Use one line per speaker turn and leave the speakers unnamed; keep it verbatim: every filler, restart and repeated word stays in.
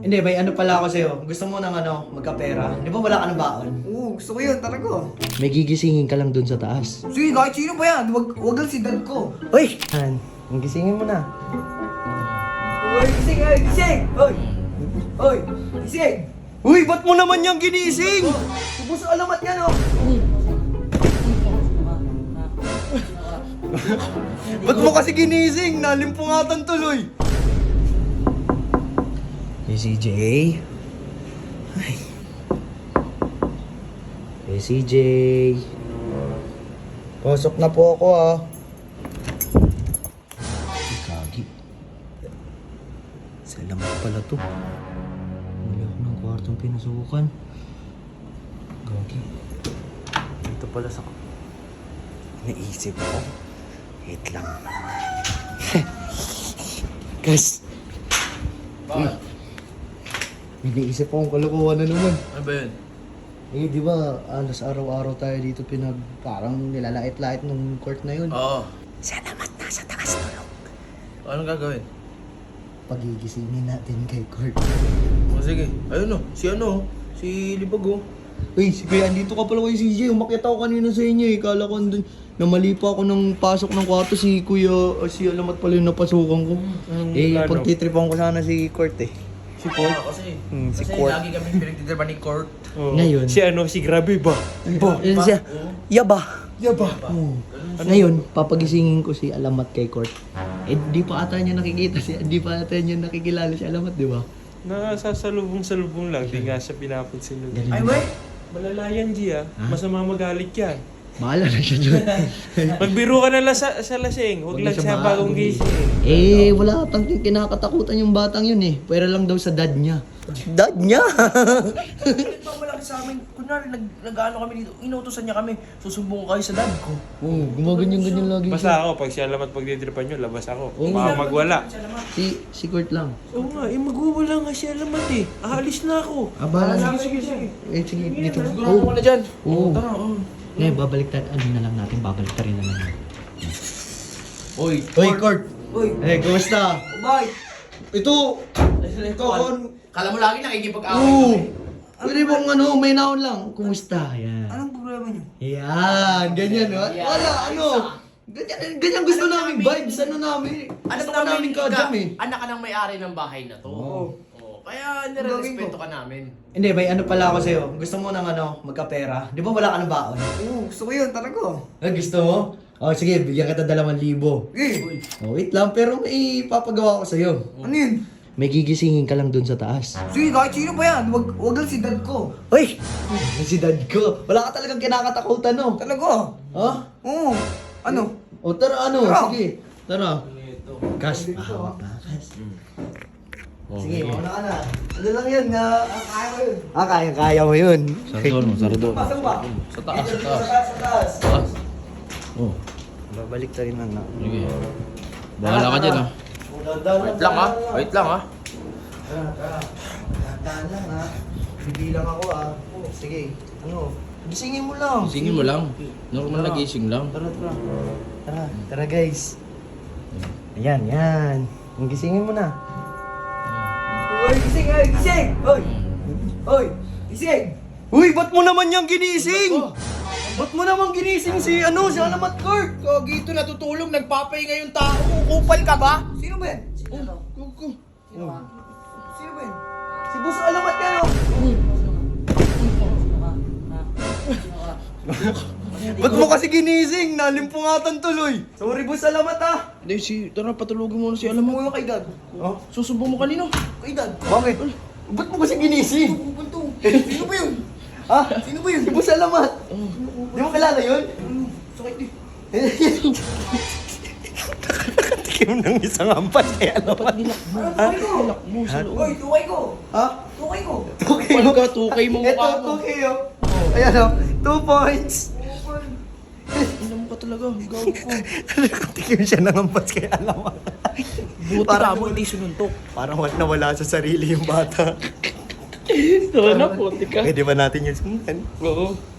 Hindi, may ano pala ako sa'yo. Gusto mo ng ano, magkapera? Di ba wala ka ng baon?
Oo, gusto ko yun, talaga.
May gigisingin ka lang dun sa taas.
Sige, kahit sino ba yan? Wag, wag lang si dad ko.
Uy! Han, ang gisingin mo na.
Uy, gising, uy, gising! Uy! Uy, gising!
Uy, ba't mo naman yung ginising?
Ubus ang alamat yan, oh!
Ba't mo kasi ginising? Nalimpungatan tuloy. Hey, C J. Ay. Hey, C J. Pasok na po ako, ah. Ay, kagi. Salamat pala to. Wala ako ng kwartong pinasukan. Gagi. Dito pala sa... Naisip ko. Wait lang. Guys.
Bakit?
May naisip akong kalokohan na naman.
Ano ba yun?
Eh, di ba, alas araw-araw tayo dito pinag... Parang nilalait-lait ng court na yun.
Oo.
Salamat nasa taas tulog.
Anong gagawin?
Pagigisingin natin kay court.
O sige. Ayun o. Si ano? Si Libag o.
Uy, si Kuya, andito ka pala kay C J. Umakyat ako kanina sa inyo eh. Kala ko andun, namali pa ako ng pasok ng kwarto si Kuya, o si Alamat pala yung napasukan ko. Eh, pagtitripan ko sana si Court eh.
Si Court? Kasi,
Hmm, si
kasi
Court.
lagi kami pinagtitripan ni Court.
Ngayon.
Si ano, si Grabe ba?
Ba? Yun siya. Yaba.
Yaba.
Oo. Ngayon, papagisingin ko si Alamat kay Court. Eh, di pa ata niya nakikita siya. Di pa ata niya nakikilala si Alamat, di ba?
Nasasalubong-salubong lang, di nga siya pinapansin nun.
Ganun.
Ay, wey!
Malalayan, G ah. Masama magalit yan.
Bahala na siya dyan.
Magbiro ka na lang sa, sa lasing, huwag lang siya bagong gising.
Eh, wala atang kinakatakutan yung batang yun eh. Pwera lang daw sa dad niya. Dad niya?
Ito malaki sa amin. Kunwari, nag, nag-ano kami dito. Inutosan niya kami. Susumbong ko kayo sa dad ko.
Oo, gumaganyan-ganyan lagi
Basta
siya.
ako, pag siya lamat pagditripan nyo, labas ako.
Oo.
Baka magwala.
Si, si Court lang.
Oo nga, eh magwawala nga siya lamat eh. Aalis na ako.
Ah, bahala na.
Sige, sige, sige.
Eh, sige, dito.
Siguro mo na dyan.
Oo.
Tara, oo.
Ngayon, babalik tayo. Ano na lang natin, babalik tayo na lang.
Oy,
Hoy, Court!
Uy,
Eh, kumusta?
bye!
Ito!
Ito,
kon-
Kala mo lagi nakikipag-away
Oo!
kami.
Pwede bang ano, may naon lang. Kumusta? Yan.
Anong problema niyo?
Yan, ganyan, no?
Yan.
Wala, ano? Ganyan, ganyan gusto namin vibes, ano namin?
Ano
Gusto ka namin kadam eh.
Anak ka ng may-ari ng bahay na to.
Oo.
Oo. Kaya nire-respeto ka namin.
Hindi, may ano pala ako sa'yo. Gusto mo ng ano, magkapera? Di ba wala ka ng baon?
Oo, gusto ko yun, talaga.
Ah, gusto mo? Oh, sige, bigyan kita dalawang libo.
Eh,
Oh, wait lang, pero may papagawa ko sa'yo.
ano yun?
May gigisingin ka lang dun sa taas.
Sige, kahit sino ba yan? Wag, wag lang si dad ko.
Uy! Si dad ko. Wala ka talagang kinakatakutan, no?
Talaga.
Ha?
Oo. Ano?
O, tara, ano?
Tara.
Sige. Tara. Kas, pahawak na, kas. Sige, mauna ka na. Ano lang yun, na... kaya ko yun. Ah, kaya-kaya mo yun.
Sarador mo, sarador.
Pasok ba?
Sa taas, sa
Sa
taas.
taas, sa taas.
Taas. Oh,
Babalik ta rin lang na.
sige. Bahala ka dyan ah. Wait lang ah. Wait lang ah.
Tara, tara. Tandaan lang ha. Bibilang ako ah. Oh, sige. Ano? Gisingin mo lang.
Gisingin mo lang. Normal na gising lang.
Tara, tara. Tara, tara guys. Ayan, yan. Ang gisingin mo na.
Uy, gising, uy, gising! Uy! Uy, gising!
Uy, ba't mo naman yung ginising? Ba't mo naman ginising si ano, si Alamat Court?
Kagito natutulog, nagpapahinga yung tao. Kupal ka ba?
Sino ba yan?
Oh, kuko.
Sino ba yan?
Si Boss Alamat yan oh. Ba't mo kasi ginising? Nalimpungatan tuloy. Sorry, Boss Alamat ah.
Hindi, si, tara patulogin mo na si Alam mo.
Umuwi kay dad.
Oh?
Susumbong mo kanino?
Kay dad.
Bakit? Ba't mo kasi ginising?
Pupunto. Sino ba yun?
Ha?
Sino ba yun?
Si Boss Alamat. Di mo kilala yun?
Ano? Sakit eh.
Tikim ng isang ampas kay Alamat.
Ano, tukay ko?
Mo sa loob.
Uy, tukay ko.
Ha?
Tukay ko.
Okay
Kupal ka, tukay mo
Ito,
mukha mo.
okay oh. Ayan oh. Two points.
Ina mo ka talaga, gago ko.
Tikim siya ng ampas kay Alamat.
Buti
Parang-
ka mo, hindi sununtok.
Parang wala nawala sa sarili yung bata.
Ito na, puti ka.
Pwede ba natin yung sundan?
Oo.